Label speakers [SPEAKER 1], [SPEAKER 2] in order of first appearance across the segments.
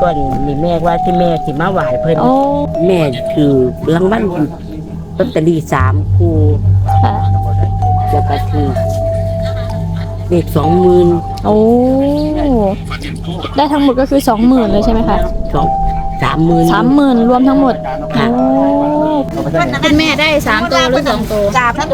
[SPEAKER 1] ก่อนนี่แม่ว่าที่แม่สิมาไหว้เพิ่น
[SPEAKER 2] โอ้
[SPEAKER 1] แม่คือรางวัลลอตเตอรี่3 คู่
[SPEAKER 2] ค่ะ
[SPEAKER 1] แล้วก็ถือเลข20,000
[SPEAKER 2] โอ้ได้ทั้งหมดก็คือ20,000เลยใช่ไหมคะ
[SPEAKER 1] 30,000
[SPEAKER 2] 30,000รวมทั้งหมด
[SPEAKER 1] ค่ะ
[SPEAKER 2] โอ้
[SPEAKER 3] คุณแม่ได้3 ตัวหรือ2 ตัว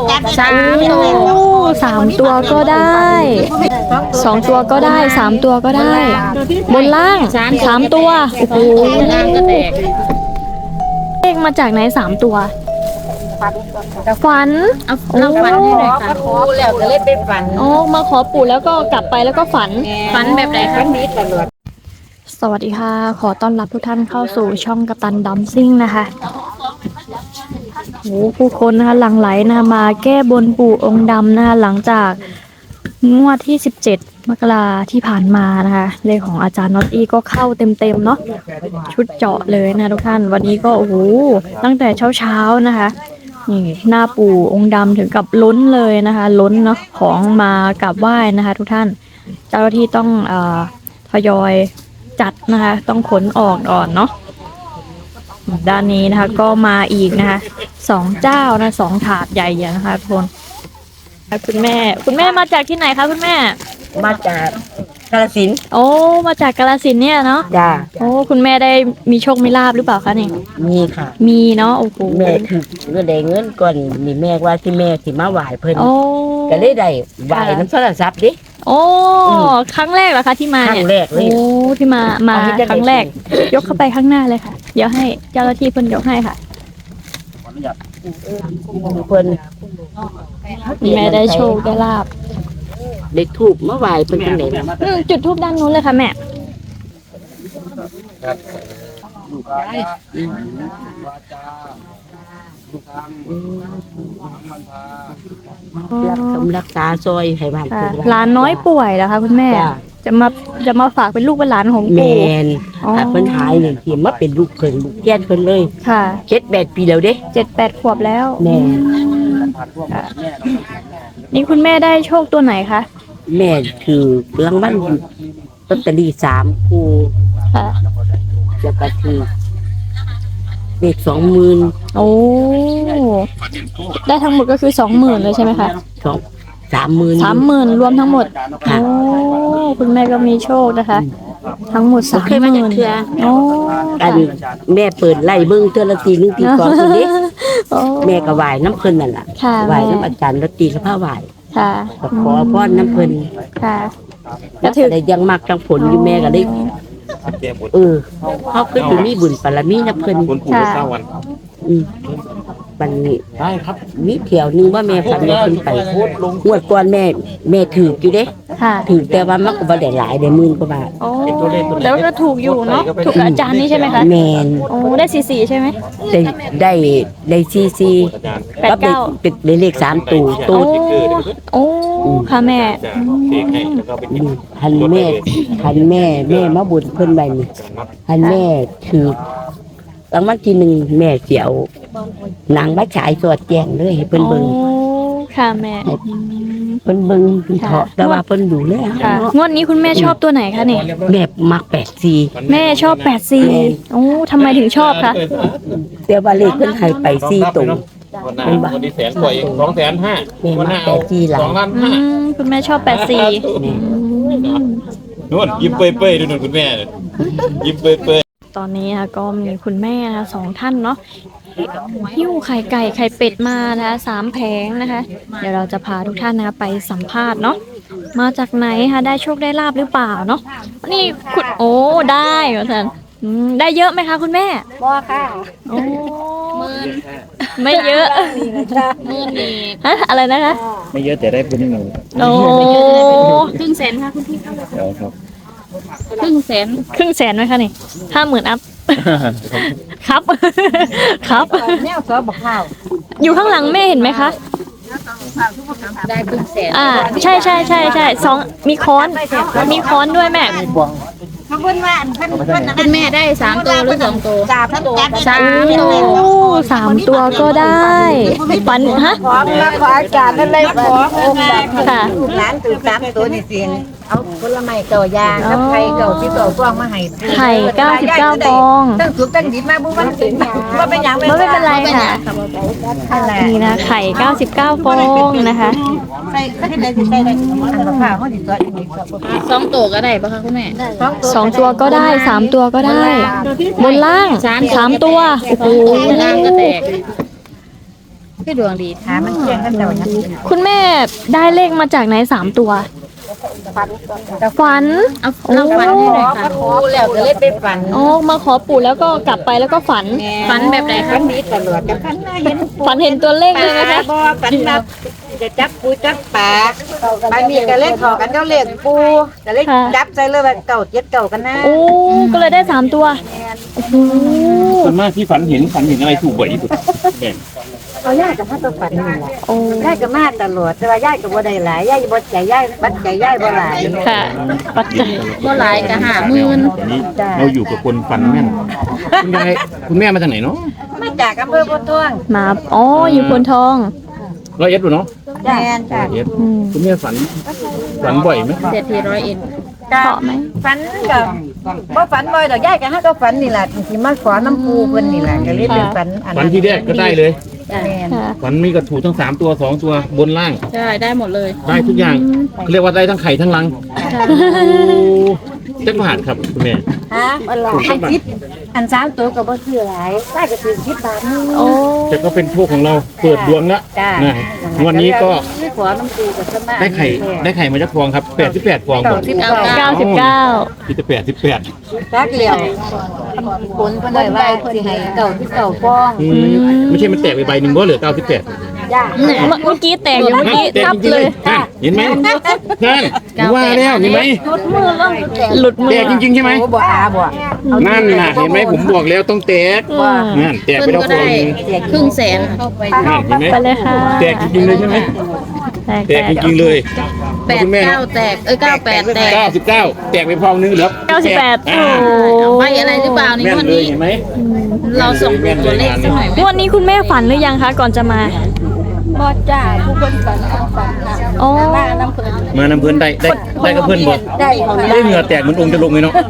[SPEAKER 2] 3 ตัวก็ได้2 ตัวก็ได้3 ตัวก็ได้ บนล่าง3 ตัวโอ้โห
[SPEAKER 3] ล่างก็แตก
[SPEAKER 2] เลขมาจากไหน3 ตัวฝัน
[SPEAKER 3] เอาเราฝันให้หน่อยค่ะ
[SPEAKER 1] ขอแล้วก็เลยไปฝัน
[SPEAKER 2] โอ้มาขอปู่แล้วก็กลับไปแล้วก็ฝัน
[SPEAKER 3] ฝันแบบไหนคะ
[SPEAKER 1] นี้ตลอด
[SPEAKER 2] สวัสดีค่ะ ขอต้อนรับทุกท่านเข้าสู่ช่องกัปตันดัมซิ่งนะคะโอ้ผู้คนนะคะหลั่งไหลนะคะมาแก้บนปู่องค์ดำนะคะหลังจากงวดที่17 มกราที่ผ่านมานะคะเลขของอาจารย์น็อตอี้ก็เข้าเต็มๆเนาะชุดเจาะเลยนะทุกท่านวันนี้ก็โอ้โหตั้งแต่เช้าๆนะคะนี่หน้าปู่องค์ดำถึงกับล้นเลยนะคะล้นเนาะของมากราบไหว้นะคะทุกท่านเจ้าหน้าที่ต้องทยอยจัดนะคะต้องขนออกก่อนเนาะด้านนี้นะคะก็มาอีกนะคะ2 เจ้านะ2 ถาดใหญ่ๆนะคะทุกคนคุณแม่มาจากที่ไหนคะคุณแม่
[SPEAKER 1] มาจากกาฬสินธุ์
[SPEAKER 2] โอ้มาจากกาฬสินธุ์เนี่ยเนาะ
[SPEAKER 1] จ้า
[SPEAKER 2] โอ้คุณแม่ได้มีโชคมีลาภหรือเปล่าคะนี่
[SPEAKER 1] มีค่ะ
[SPEAKER 2] มีเนาะโอ้โห
[SPEAKER 1] แม่คือเงินได้เงินก่อนนี่แม่ว่าที่แม่สิมาไหว้เพิ่น
[SPEAKER 2] โอ้
[SPEAKER 1] ก็เลยได้ไหว้น้ำโทรศัพท์ดิ
[SPEAKER 2] โอ้ครั้งแรกเหรอคะที่มา
[SPEAKER 1] ครั้
[SPEAKER 2] เนี่ย
[SPEAKER 1] งแรกเลย
[SPEAKER 2] โอ้ที่มา
[SPEAKER 1] เอาให้เจ้า
[SPEAKER 2] ครั้งแรก ยกเข้าไปข้างหน้าเลยค่ะเดี๋ยวให้เจ้าหน้าที่เพิ่นยกให้ค่ะ
[SPEAKER 1] เพิ่น
[SPEAKER 2] แม่ได้โชคได้ลาภ
[SPEAKER 1] ได้ถูกมาไหว้เพิ่นจังได๋ล่ะ
[SPEAKER 2] จุดทูบด้านนู้นเลยค่ะแม่
[SPEAKER 1] รักษาซอยให้บ้าน
[SPEAKER 2] ค่ะ
[SPEAKER 1] เพิ่น
[SPEAKER 2] หลานน้อยป่วยนะคะคุณแม่
[SPEAKER 1] จ้ะ
[SPEAKER 2] จะมาฝากเป็นลูกเป็นหลานของ
[SPEAKER 1] แม่
[SPEAKER 2] ปู่
[SPEAKER 1] น
[SPEAKER 2] อ๋อ
[SPEAKER 1] ถ้าเพิ่นหายนี่สิมาเป็นลูกเพิ่นลูกแก่นเพิ่นเลย
[SPEAKER 2] ค่ะ
[SPEAKER 1] 7-8 ปีแล้วเด้
[SPEAKER 2] 7-8 ขวบแล้ว
[SPEAKER 1] แม่
[SPEAKER 2] ค่ะนี่คุณแม่ได้โชคตัวไหนคะ
[SPEAKER 1] แม่คือรางวัลลอตเตอรี่3 คู่
[SPEAKER 2] ค่ะ
[SPEAKER 1] แล้วก็ถือเลข20,000
[SPEAKER 2] โอ้ได้ทั้งหมดก็คือ20,000เลยใช่ไหมคะ
[SPEAKER 1] 30,000
[SPEAKER 2] 30,000รวมทั้งหมด
[SPEAKER 1] ค่ะ
[SPEAKER 2] โอ้คุณแม่ก็มีโชคนะคะ ทั้งหมด
[SPEAKER 1] บ่เคยมาจากเทื่อ
[SPEAKER 2] โอ้
[SPEAKER 1] อันแม่เปิดไล่เบิ่งเทื่อละทีนึงทีสองทีนี้
[SPEAKER 2] โอ้
[SPEAKER 1] แม่ก็ไหว้น้ำเพิ่นนั่นล่ะ
[SPEAKER 2] ค่ะ
[SPEAKER 1] ไหว้
[SPEAKER 2] แม่
[SPEAKER 1] น้ำอาจารย์ละตีกับผ้าไหว้
[SPEAKER 2] ค่ะ
[SPEAKER 1] ก็ขอพรน้ำเพิ่น
[SPEAKER 2] ค่ะ
[SPEAKER 1] แล้วก็ได้ยังมักจังผลอยู่แม่ก็ได้เออเขาคือสิมีบุญบารมีน้ำเพิ่น
[SPEAKER 4] คุณปู่เก้าวัน
[SPEAKER 1] อืมบัดนี้
[SPEAKER 4] ได้ครับ
[SPEAKER 1] มีเที่ยวหนึงว่าแม่ฝันว่าเพิ่นไปงวดก่อนแม่ถืออยู่เด้
[SPEAKER 2] ค่ะ
[SPEAKER 1] ถือแต่ว่ามันก็บ่ได้หลายได้หมื่นกว่าบาท
[SPEAKER 2] โอ้แล้วก็ถูกอยู่เนาะถูกกับอาจารย์นี่ใช่ไหมคะ
[SPEAKER 1] แม่น
[SPEAKER 2] โอ้ได้44ใช่ไหม
[SPEAKER 1] ได้ซี
[SPEAKER 4] อาจารย์
[SPEAKER 1] กับได้เป็นเลข3ตัว
[SPEAKER 2] โอ้โอ้ค่ะแม่
[SPEAKER 4] จะเสกให้แล้วก็ไปจิบ
[SPEAKER 1] หันแม่มาบุญเพิ่นไว้นี่หันแม่ถือรางวัลที่1แม่เสียวหนังมาฉายสวดแจ้งเลยให้เพิ่นเบิ่ง
[SPEAKER 2] โอ้ค่ะแม่
[SPEAKER 1] เพิ่นเบิ่งเพิ่นเถาะแต่ว่าเพิ่นดูแล
[SPEAKER 2] ค่ะงวดนี้คุณแม่ชอบตัวไหนคะนี่
[SPEAKER 1] แม่มัก84
[SPEAKER 2] แม่ชอบ84โอ้ทำไมถึงชอบคะ
[SPEAKER 1] แต่ว่าเลขเพิ่นให้ไป4ตัว
[SPEAKER 4] วันหน้าวันนี้100,000กว่าเอง250,000วันหน้าเอา2,500,000
[SPEAKER 2] คุณแม่ชอบ84
[SPEAKER 4] นู่นยิ้มเปื่อยๆดูนู่นคุณแม่เลยยิ้มเปื่อย
[SPEAKER 2] ตอนนี้นะคะก็มีคุณแม่นะคะ2 ท่านเนาะหิ้วไข่ไก่ไข่เป็ดมานะคะ3 แผงนะคะ เดี๋ยวเราจะพาทุกท่านนะคะไปสัมภาษณ์เนาะมาจากไหนคะได้โชคได้ลาบหรือเปล่าเนาะนี่คุณโอ้ได้เหรอท่านได้เยอะไหมคะคุณแม่
[SPEAKER 3] บ่ค่ะ
[SPEAKER 2] โอ้ไม่เยอะ
[SPEAKER 3] มื่นนี่
[SPEAKER 2] ฮะอะไรนะคะ
[SPEAKER 4] ไม่เยอะแต่ได้บุญหนึ่ง
[SPEAKER 2] โอ้
[SPEAKER 3] ครึ่งแสนค่ะคุณพี่
[SPEAKER 4] เดี๋ยวครับ
[SPEAKER 3] ครึ่งแสน
[SPEAKER 2] ครึ่งแสนไหมคะนี่50,000 อัพ ครับ ครับ
[SPEAKER 3] แนวซอบอกข้าว
[SPEAKER 2] อยู่ข้างหลังแม่เห็นไหมคะ
[SPEAKER 3] ได้ครึ่งแสน
[SPEAKER 2] ใช่2มีค้อนด้วยแม่
[SPEAKER 3] คุณแม่ได้3 ตัวหรือ2 ตัว3 ตัว
[SPEAKER 2] โอ้3 ตัวก็ได้ฝันฮะ
[SPEAKER 1] ของมาขออาจารย์นั่นเลยขอองค์แบบ
[SPEAKER 2] ค่ะ
[SPEAKER 1] ร้านถือ3ตัวนี่สิ
[SPEAKER 3] เอาผลไม้เก่ายางกับไข่เก่าที่เก่าฟองมาให้
[SPEAKER 2] ไข่99ฟอง
[SPEAKER 3] ตั้งสุกตั้งดิบมาบุ้มันสิว่าเป็นหยัง
[SPEAKER 2] ไม่เป็นไรค่ะนี่นะไข่99ฟองนะคะ
[SPEAKER 3] ใส่ก็ได้สิใส่ได้อันมะพร้าวเขาสิตัวอีก2ตัวก็ได้ป่ะคะคุณแม่
[SPEAKER 2] 2 ตัวก็ได้3 ตัวก็ได้ บนล่าง3 ตัวโอ้โห
[SPEAKER 3] ล่างก็แตกคือดวงดีถามมันเที่ยงกันแต่ว่านั้น
[SPEAKER 2] คุณแม่ได้เลขมาจากไหน3 ตัวฝัน
[SPEAKER 3] เอาเราฝันให้หน่อยค่ะครูแล้วก็เลยไปฝัน
[SPEAKER 2] อ๋อมาขอปู่แล้วก็กลับไปแล้วก็ฝัน
[SPEAKER 3] ฝันแบบไหนคะนี้ตลอดกับฝันเห็น
[SPEAKER 2] ฝันเห็นตัวเลขเลยนะคะ
[SPEAKER 3] บ่ฝันแบบจะจับปูจับปลาบางทีก็เล่นขอกันก็เล่นปูก็เล่นจับใจเลยว่าเก่าเจ็ดเก่ากันนะ
[SPEAKER 2] โอ้ก็เลยได้3 ตัวโอ้โห
[SPEAKER 4] ส่วนมากที่ฝันเห็นอะไรถูกบ่อยที่สุดแม่
[SPEAKER 3] เอาย่ายกับมาตัวฝันนี่แหละ
[SPEAKER 2] โอ้
[SPEAKER 3] ย่ายกับมาตลอดแต่ว่าย่ายกับบ่ได้หลายย่ายบ่ใจย่ายบัดใจย่ายบ่หลาย
[SPEAKER 2] ค่ะปัจจัย
[SPEAKER 3] บ่หลายก็50,000
[SPEAKER 4] ตอนนี้เราอยู่กับคนฝันแม่นคุณยายคุณแม่มาจากไหนเนาะ
[SPEAKER 3] มาจากอำเภอโพธิ์ท่วง
[SPEAKER 2] มาอ๋ออยู่พนทอง
[SPEAKER 4] ร้อยเอ็ดดูเนาะ
[SPEAKER 3] แม่นจ้ะ
[SPEAKER 4] ร้อยเอ็ด
[SPEAKER 2] อืม
[SPEAKER 4] คุณแม่ฝันบ่อยไหม
[SPEAKER 3] เศรษฐี100เอ็น
[SPEAKER 2] เพราะไหม
[SPEAKER 3] ฝันกับบ่ฝันบ่อยดอกย่ายก็หาก็ฝันนี่แหละที่มาขอน้ำปูเพิ่นนี่แหละก็เลยเป็นฝันอัน
[SPEAKER 4] ฝั
[SPEAKER 3] นั้น น
[SPEAKER 4] ที่แรกก็ได้เลย
[SPEAKER 3] แม่น
[SPEAKER 2] ค่ะ
[SPEAKER 4] ฝันมีกระถูกทั้ง3ตัว2ตัวบนล่าง
[SPEAKER 3] ใช่ได้หมดเลย
[SPEAKER 4] ได้ทุกอย่างเรียกว่าได้ทั้งไข่ทั้งลังเจ็ดบาทครับคุณแม่
[SPEAKER 3] ฮะอันคิดอัน3ตัวก็บ่ซื้อหลายได้ก็ซื้อ10 บาทนึง
[SPEAKER 2] โอ้
[SPEAKER 4] แต่ก็เป็นโชคของเราเปิดดวงแล้ว
[SPEAKER 3] จ้า
[SPEAKER 4] นะวันนี้ก็
[SPEAKER 3] ขอน้ำปูกับสมา
[SPEAKER 4] ได้ไข่มาจากฟองครับ88ฟองก่อน
[SPEAKER 2] 99
[SPEAKER 4] ที่จะ88
[SPEAKER 3] รักเหลียวผลเพิ่นได้ว่าสิให้เก่าที่เก่าฟ้อง
[SPEAKER 4] ไม่ใช่มันแตกไปใบหนึ่งบ่เหลือ98
[SPEAKER 3] ย่า
[SPEAKER 2] เมื่อกี้แตกอยู่เมื่อกี้
[SPEAKER 4] แตก
[SPEAKER 2] ทับ
[SPEAKER 4] จริงๆ
[SPEAKER 2] เล
[SPEAKER 4] เลย ยเห็นไหมนั่นว่าแล้วเห็นไหม
[SPEAKER 3] จุดมือลงแตก
[SPEAKER 2] หลุดมื
[SPEAKER 4] แต
[SPEAKER 2] อก
[SPEAKER 4] จริงๆใช่ไหม
[SPEAKER 3] โอ้บ่อาบ่
[SPEAKER 4] นั่นน่ะเห็นไหมผมบอกแล้วต้องแตก
[SPEAKER 2] อืม
[SPEAKER 4] นั่นแตกไปแล้วฟองหนึง
[SPEAKER 3] ครึ่งแสนเข้าไป
[SPEAKER 4] นั่นเห็นไหม
[SPEAKER 2] ไปเลยค่ะ
[SPEAKER 4] แตกจริงๆเลยใช่ไหมแตกจริงๆเลยคุณแม่
[SPEAKER 3] 89แตก98แตก
[SPEAKER 4] 99แตกไปฟองนึงเหลือ
[SPEAKER 2] 98
[SPEAKER 4] อ่า
[SPEAKER 2] โอ้
[SPEAKER 3] ใบอะไรหรือเปล่านี่
[SPEAKER 4] แม่น
[SPEAKER 3] วัน
[SPEAKER 4] เลย
[SPEAKER 3] นี้
[SPEAKER 4] เห็นไหม
[SPEAKER 3] เราส่งตัวเลขสักหน่อยไหม
[SPEAKER 2] งวันนี้คุณแม่ฝันหรือยังคะก่อนจะมา
[SPEAKER 3] บ่จ้าผู้คนฝันค่ะ
[SPEAKER 2] อ๋อ
[SPEAKER 3] บ้านน้ำเพิ่น
[SPEAKER 4] มานำเพื่อนได้กับเพื่อนบ่
[SPEAKER 3] ได้ของ
[SPEAKER 4] ได้เหงื่อแตกเหมือนองค์จะลงเลยเนาะ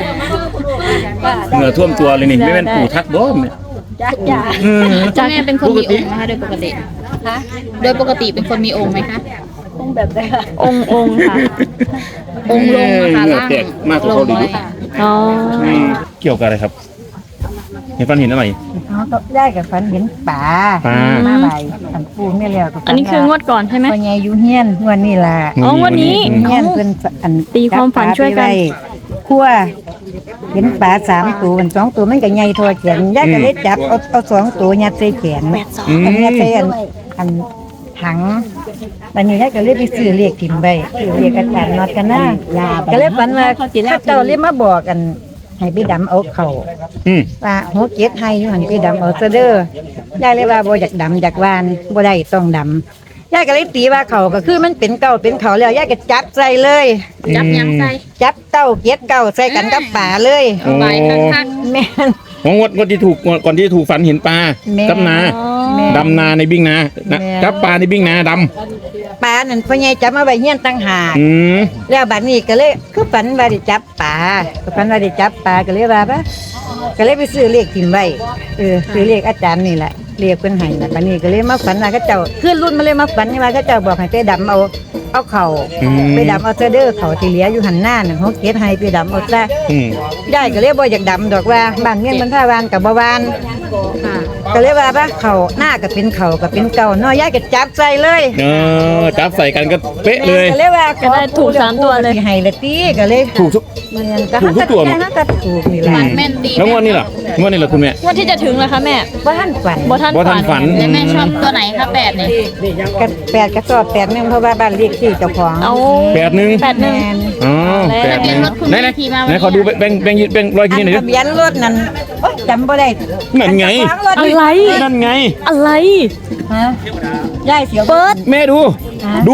[SPEAKER 4] เหงื่อท่วมตัวเลยนี่ไม่เป็นปู่ทักบ่เนี่ย
[SPEAKER 3] จ้า
[SPEAKER 4] อืม
[SPEAKER 3] จ้าแม่เป็นคนมีองค์นะคะโดยปกติโดยปกติเป็นคนมีองค์ไหมคะองค์แบบไหนคะ
[SPEAKER 2] องค์ค่ะ
[SPEAKER 3] องค์ลงนะคะ
[SPEAKER 4] เหงื่อ
[SPEAKER 3] ล่าง
[SPEAKER 4] แตกมากกว่าเขาเลย
[SPEAKER 2] อ๋อ
[SPEAKER 4] เกี่ยวกับอะไรครับเห็นฟันเห็นอะไร
[SPEAKER 3] เขาต้องได้กับฝันเห็นป่า
[SPEAKER 4] ปลา
[SPEAKER 3] มาใบอันปูไม่แล้วก็ฝั
[SPEAKER 2] อันนี้คืองวดก่อนใช่ไหม
[SPEAKER 3] วันไงอยู่เฮียนวันนี้ล่ะ
[SPEAKER 2] อ๋อวันนี้
[SPEAKER 3] เฮียนเพิ่นอัน
[SPEAKER 2] ตีความฝันช่วยกัน
[SPEAKER 3] คั่วเห็นปลา3ตัวมัน2ตัวมันก็ใหญ่เทอแขนยายก็เลยจับเอา2ตัวยัดใส่แขน
[SPEAKER 4] อืม
[SPEAKER 3] ยัดใส่อันถังวันนี้ยายก็เลยไปซื้อเลขถิ่มไว้ซื้อเลขอาจารย์น็อตกันนะก็เลยฝันว่าข้าเจ้าเลยมาบอกกันให้ไปดำเอาเข่า
[SPEAKER 4] อืม
[SPEAKER 3] ว่าหัวเกตให้อยู่หันไปดำเอาซะเด้อยายเลยว่าบ่อยากดำอยากวานบ่ได้ต้องดำยายก็เลยตีว่าเขาก็คือมันเป็นเก่าเป็นเขาแล้วยายก็จับใส่เลย
[SPEAKER 4] จับยังใส่
[SPEAKER 3] จับเต้าเกตเก่าใส่กันกับป่าเลย
[SPEAKER 4] โอ้
[SPEAKER 3] แม่น
[SPEAKER 4] ของงวดที่ถูกก่อนที่ถูกฝันเห็นปลา
[SPEAKER 3] แม่
[SPEAKER 4] กับนา
[SPEAKER 3] แม่
[SPEAKER 4] ดำนาในบิ้งนา
[SPEAKER 3] แม่
[SPEAKER 4] จับปลาในบิ้งนาด
[SPEAKER 3] ป่านั่นพ่อใหญ่จับมาไว้เฮียนตั้งหาก
[SPEAKER 4] ำอืม
[SPEAKER 3] แล้วบัดนี้ก็เลยคือฝันว่าได้จับป่าก็ฝันว่าได้จับป่าก็เลยว่าปะก็เลยไปซื้อเลขถิ่มไว้ซื้อเลขอาจารย์นี่แหละเรียกเพิ่นให้น่ะบัดนี้ก็เลยมาฝันว่าเขาเจ้าขึ้นรุ่นมาเลยมาฝันว่าเขาเจ้าบอกให้ไปดำเอาเข่า
[SPEAKER 4] อืม
[SPEAKER 3] ไปดำเอาเสเดอร์เขาที่เหลืออยู่หันหน้าน่ะเขาเก็บให้ไปดำเอาซะ
[SPEAKER 4] อืม
[SPEAKER 3] ยายก็เลยบ่อยากดำดอกว่าบ้านเมียนมันท่าวานกับบ่วานก็เลยว่าปะเขาหน้าก็เป็นเขาก็เป็นเก่าเนาะยายก็จับใส่เลย
[SPEAKER 4] จับใส่กันก็เป๊ะเลย
[SPEAKER 3] ก็เลยว่า
[SPEAKER 2] ก็ได้ถูก3ตัวเลย
[SPEAKER 3] สิให้ละตีก็เลย
[SPEAKER 4] ถูกทุก
[SPEAKER 3] เมียนก็
[SPEAKER 4] ถูกทุกตัวไหม
[SPEAKER 3] ก็ถูกนี่แหละ
[SPEAKER 4] อืมแล้วงวดนี้ล่ะงวดนี้ล่ะคุณแม่
[SPEAKER 2] งวดที่จะถึงแล้วคะแม่
[SPEAKER 3] บ่ทันฝัน
[SPEAKER 2] บ่ทัน
[SPEAKER 4] บ่ทันฝั
[SPEAKER 2] ฝั
[SPEAKER 4] น
[SPEAKER 2] น
[SPEAKER 3] แล้วแม่ชอบตัวไหนคะ8นี่ก็8ก็ชอบ8นึงเพราะว่าบ้านเลขที่เจ้าของ
[SPEAKER 2] เอา
[SPEAKER 4] 81
[SPEAKER 2] 81
[SPEAKER 3] แม่น
[SPEAKER 4] อ๋อ
[SPEAKER 2] แล้ว
[SPEAKER 4] 81ไหนขอดูแบ่งรอยกินหน่อยดิ
[SPEAKER 3] ทะเบียนรถนั่นโอ๊ยจำบ่ได้
[SPEAKER 4] นั่นไง
[SPEAKER 3] ขวางรถ
[SPEAKER 2] อะไร
[SPEAKER 4] นั่นไง
[SPEAKER 2] อะไร
[SPEAKER 3] ฮะยายเสียว
[SPEAKER 2] เปิด
[SPEAKER 4] แม่ดู ดู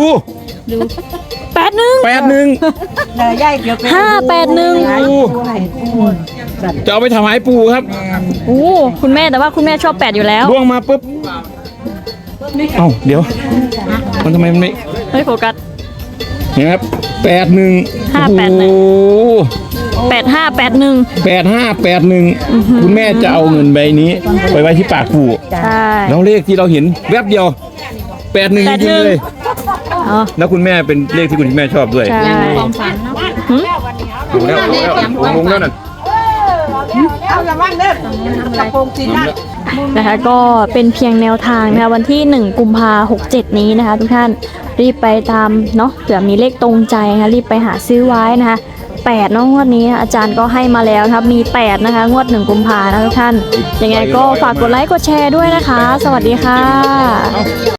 [SPEAKER 2] 81
[SPEAKER 4] 81
[SPEAKER 3] ยายเสียว
[SPEAKER 2] 581
[SPEAKER 4] จะเอาไปถวายปู่ครับ
[SPEAKER 2] โอ้คุณแม่แต่ว่าคุณแม่ชอบ8อยู่แล้ว
[SPEAKER 4] ล่วงมาปุ๊บ เอ้าเดี๋ยว มันทำไมมันไม่
[SPEAKER 2] เฮ้ยโฟกัส
[SPEAKER 4] เห็นไหมครับ81
[SPEAKER 2] 581
[SPEAKER 4] โอ้
[SPEAKER 2] 8581
[SPEAKER 4] 8581คุณแม่จะเอาเงินใบนี้ไปไว้ที่ปากปู่
[SPEAKER 2] ใช่
[SPEAKER 4] แล้วเลขที่เราเห็นแวบเดียว81จริงๆเลย
[SPEAKER 2] อ๋อ
[SPEAKER 4] แล้วคุณแม่เป็นเลขที่คุณแม่ชอบด้วย
[SPEAKER 2] ใช่
[SPEAKER 4] ดูแล้วลงแล้วน่ะ
[SPEAKER 3] เอาละมั่งเด้อตะโพงสีนั่น
[SPEAKER 2] นะคะก็เป็นเพียงแนวทางนะคะวันที่1กุมภา67นี้นะคะทุกท่านรีบไปตามเนาะเผื่อมีเลขตรงใจนะคะรีบไปหาซื้อไว้นะคะ8เนาะงวดนี้อาจารย์ก็ให้มาแล้วนะครับมี8นะคะงวด1กุมภานะทุกท่านยังไงก็ฝากกดไลค์กดแชร์ด้วยนะคะ สวัสดีค่ะ